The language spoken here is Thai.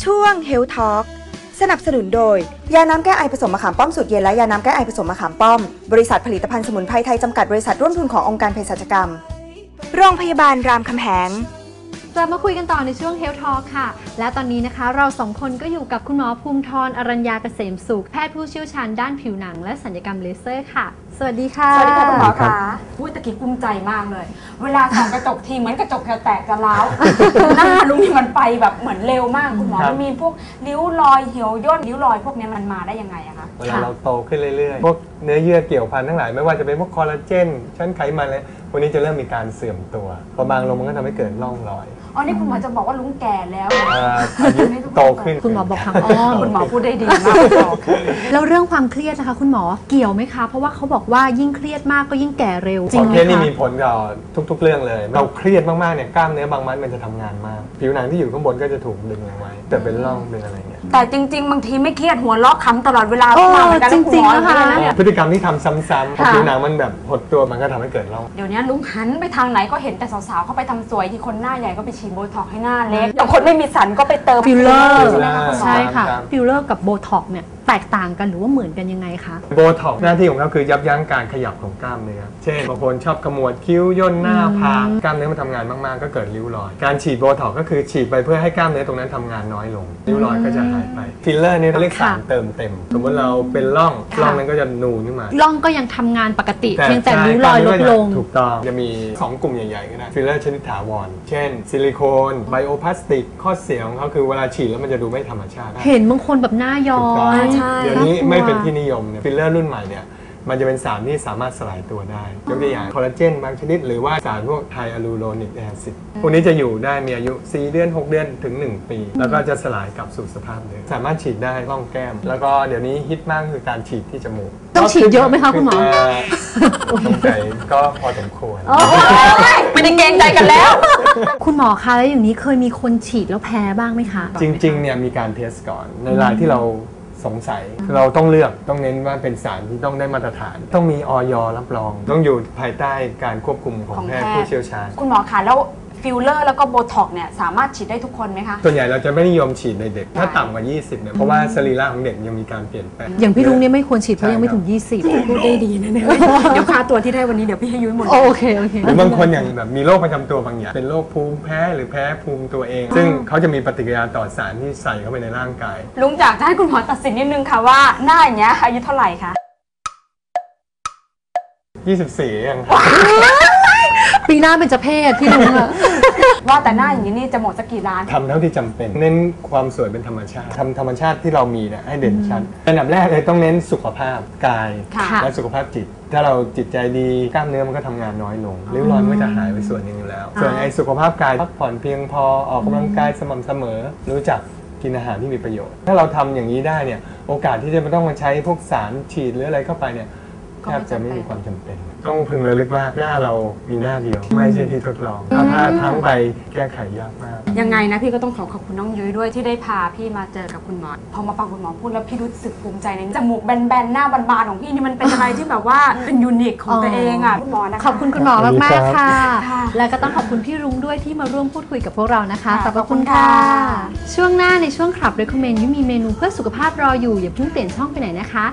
ช่วง Health Talk สนับสนุนโดยยาน้ำแก้ไอผสมมะขามป้อมสูตรเย็นและยาน้ำแก้ไอผสมมะขามป้อมบริษัทผลิตภัณฑ์สมุนไพรไทยจำกัดบริษัทร่วมทุนขององค์การเภสัชกรรมโรงพยาบาลรามคำแหงกลับมาคุยกันต่อในช่วง Health Talk ค่ะและตอนนี้นะคะเราสองคนก็อยู่กับคุณหมอภูมิธรอรัญญาเกษมสุขแพทย์ผู้เชี่ยวชาญด้านผิวหนังและศัลยกรรมเลเซอร์ค่ะสวัสดีค่ะสวัสดีค่ะคุณหมอคะพูดตะกี้กุ้มใจมากเลย เวลาส่องกระจกทีเหมือนกระจกแตกจะร้าวหน้าลุงนี่มันไปแบบเหมือนเร็วมากคุณหมอมันมีพวกริ้วรอยเหี่ยวย่นริ้วรอยพวกนี้มันมาได้ยังไงอะคะเวลาเราโตขึ้นเรื่อยๆพวกเนื้อเยื่อเกี่ยวพันทั้งหลายไม่ว่าจะเป็นพวกคอลลาเจนชั้นไขมันอะไรพวกนี้จะเริ่มมีการเสื่อมตัวพอบางลงมันก็ทำให้เกิดร่องรอยอ๋อนี่คุณหมอจะบอกว่าลุงแก่แล้วอายุโตขึ้นคุณหมอบอกทางอ้อมคุณหมอพูดได้ดีมากแล้วเรื่องความเครียดนะคะคุณหมอเกี่ยวไหมคะเพราะว่าเขาบอกว่ายิ่งเครียดมากก็ยิ่งแก่เร็วจริงไหมคะเครียดนี่มีผลต่อทุกๆเรื่องเลยเราเครียดมากๆเนี่ยกล้ามเนื้อบางมัดมันจะทำงานมากผิวหนังที่อยู่ข้างบนก็จะถูกดึงเอาไว้แต่เป็นร่องเป็นอะไรเงี้ยแต่จริงๆบางทีไม่เครียดหัวเราะขำตลอดเวลาจริงๆนะคะพฤติกรรมที่ทำซ้ำๆพอผิวหนังมันแบบหดตัวมันก็ทำให้เกิดร่องเดี๋ยวนี้ลุงหันไปทางไหนก็เห็นแต่สาวๆเขาไปทำสวยที่คนหน้าใหญ่ก็ไปฉีดโบท็อกซ์ให้หน้าเล็กอย่างคนไม่มีสันก็ไปเติมฟิลเลอร์ใช่ค่ะฟิลเลอร์กับโบท็อกซ์เนี่ยแตกต่างกันหรือว่าเหมือนกันยังไงคะโบท็อกซ์หน้าที่ของเขาคือยับยั้งการขยับของกล้ามเนื้อเช่นบางคนชอบขมวดคิ้วย่นหน้าผากกล้ามเนื้อมันทำงานมากๆก็เกิดริ้วรอยการฉีดโบท็อกซ์ก็คือฉีดไปเพื่อให้กล้ามเนื้อตรงนั้นทำงานน้อยลงริ้วรอยก็จะหายไปฟิลเลอร์นี่เรียกสารเติมเต็มสมมติเราเป็นร่องนั้นก็จะนูนขึ้นมาร่องก็ยังทำงานปกติเพียงแต่ริ้วรอยลดลงถูกต้องจะมี2กลุ่มใหญ่ๆก็ได้ฟิลเลอร์ชนิดถาวรเช่นซิลิโคนไบโอพลาสติกข้อเสียของเขาคือเวลาฉีดแล้วมันจะดูไม่ธรรมชาติเห็นบางคนแบบหน้าย้อยเดี๋ยวนี้ไม่เป็นที่นิยมเนี่ยฟิลเลอร์รุ่นใหม่เนี่ยมันจะเป็นสารที่สามารถสลายตัวได้ยกตัวอย่างคอลลาเจนบางชนิดหรือว่าสารพวกไฮอะลูโรนิกแอซิดพวกนี้จะอยู่ได้มีอายุ4 เดือน 6 เดือนถึง1 ปีแล้วก็จะสลายกลับสู่สภาพเดิมสามารถฉีดได้ร่องแก้มแล้วก็เดี๋ยวนี้ฮิตมากคือการฉีดที่จมูกต้องฉีดเยอะไหมคะคุณหมอสงสัยก็พอสมควรไม่ได้เกรงใจกันแล้วคุณหมอคะแล้วอย่างนี้เคยมีคนฉีดแล้วแพ้บ้างไหมคะจริงๆเนี่ยมีการเทสก่อนในรายที่เราสงสัยเราต้องเลือกต้องเน้นว่าเป็นสารที่ต้องได้มาตรฐานต้องมีอย.รับรองต้องอยู่ภายใต้การควบคุมของแพทย์ผู้เชี่ยวชาญคุณหมอคะแล้วฟิลเลอร์แล้วก็โบท็อกซ์เนี่ยสามารถฉีดได้ทุกคนไหมคะส่วนใหญ่เราจะไม่นิยมฉีดในเด็กถ้าต่ำกว่า20เนี่ยเพราะว่าสรีระของเด็กยังมีการเปลี่ยนแปลงอย่างพี่ลุงเนี่ยไม่ควรฉีดเพราะยังไม่ถึง20 พูดได้ดีนะเนี่ยเดี๋ยวค่าตัวที่ได้วันนี้เดี๋ยวพี่ให้ยุ้ยหมดโอเคหรือบางคนอย่างแบบมีโรคประจำตัวบางอย่างเป็นโรคภูมิแพ้หรือแพ้ภูมิตัวเองซึ่งเขาจะมีปฏิกิริยาต่อสารที่ใส่เข้าไปในร่างกายลุงจากให้คุณหมอตัดสินนิดนึงค่ะว่าหน้าอย่างเงี้ยอายุเท่าไหร่คะ 24ยังปีหน้าเป็นจะเพศพี่ลุงอะว่าแต่หน้าอย่างนี้นี่จะหมดสักกี่ล้านทำเท่าที่จำเป็นเน้นความสวยเป็นธรรมชาติทำธรรมชาติที่เรามีเนี่ยให้เด่นชัดอันดับแรกเลยต้องเน้นสุขภาพกายและสุขภาพจิตถ้าเราจิตใจดีกล้ามเนื้อมันก็ทำงานน้อยลงริ้วรอยมันก็จะหายไปส่วนนึงอยู่แล้วส่วนไอ้สุขภาพกายพักผ่อนเพียงพอออกกำลังกายสม่ำเสมอรู้จักกินอาหารที่มีประโยชน์ถ้าเราทำอย่างนี้ได้เนี่ยโอกาสที่จะไม่ต้องมาใช้พวกสารฉีดหรืออะไรเข้าไปเนี่ยแทบจะไม่มีความจำเป็นต้องพึงระลึกว่าหน้าเรามีหน้าเดียวไม่ใช่ที่ทดลองถ้าทั้งใบแก้ไขยากมากยังไงนะพี่ก็ต้องขอบคุณน้องยุ้ยด้วยที่ได้พาพี่มาเจอกับคุณหมอพอมาฟังคุณหมอพูดแล้วพี่รู้สึกภูมิใจในจมูกแบนๆหน้าบานๆของพี่นี่มันเป็นอะไรที่แบบว่าเป็นยูนิคของตัวเองอ่ะคุณหมอนะคะขอบคุณคุณหมอมากๆค่ะและก็ต้องขอบคุณพี่รุ้งด้วยที่มาร่วมพูดคุยกับพวกเรานะคะขอบคุณค่ะช่วงหน้าในช่วงขับ Recommend ยุ้ยมีเมนูเพื่อสุขภาพรออยู่อย่าเพิ่งเปลี่ยนช่องไปไหนนะคะ